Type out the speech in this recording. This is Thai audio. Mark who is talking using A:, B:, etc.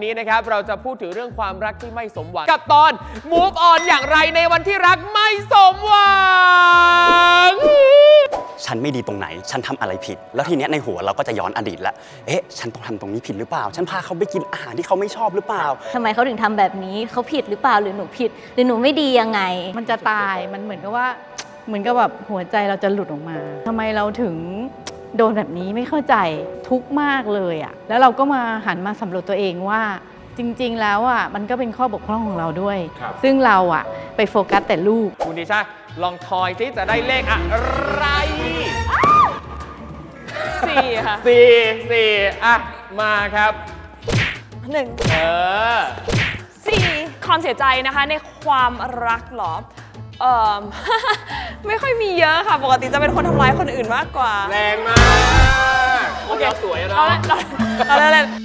A: นี้นะครับเราจะพูดถึงเรื่องความรักที่ไม่สมหวังกับตอน Move on อย่างไรในวันที่รักไม่สมหวัง
B: ฉันไม่ดีตรงไหนฉันทำอะไรผิดแล้วทีเนี้ยในหัวเราก็จะย้อนอดีตแล้วฉันต้องทำตรงนี้ผิดหรือเปล่าฉันพาเขาไปกินอาหารที่เขาไม่ชอบหรือเปล่า
C: ทำไมเขาถึงทำแบบนี้เขาผิดหรือเปล่าหรือหนูผิดหรือหนูไม่ดียังไง
D: มันจะตายมันเหมือนกับว่าแบบหัวใจเราจะหลุดออกมาทำไมเราถึงโดนแบบนี้ไม่เข้าใจทุกข์มากเลยอ่ะแล้วเราก็มาหันมาสำรวจตัวเองว่าจริงๆแล้วอ่ะมันก็เป็นข้อบกพร่องของเราด้วยซึ่งเราอ่ะไปโฟกัสแต่ลูก
A: คุณดิชาลองทอยซิจะได้เลขอะไร
E: 4 ค่ะ
A: 4อ่ะมาครับ
E: 4ความเสียใจนะคะในความรักเหรอไม่ค่อยมีเยอะค่ะปกติจะเป็นคนทำร้ายคนอื่นมากกว่า
A: แรงมาก
E: โอเค
A: สวยนะ
E: เราเล่น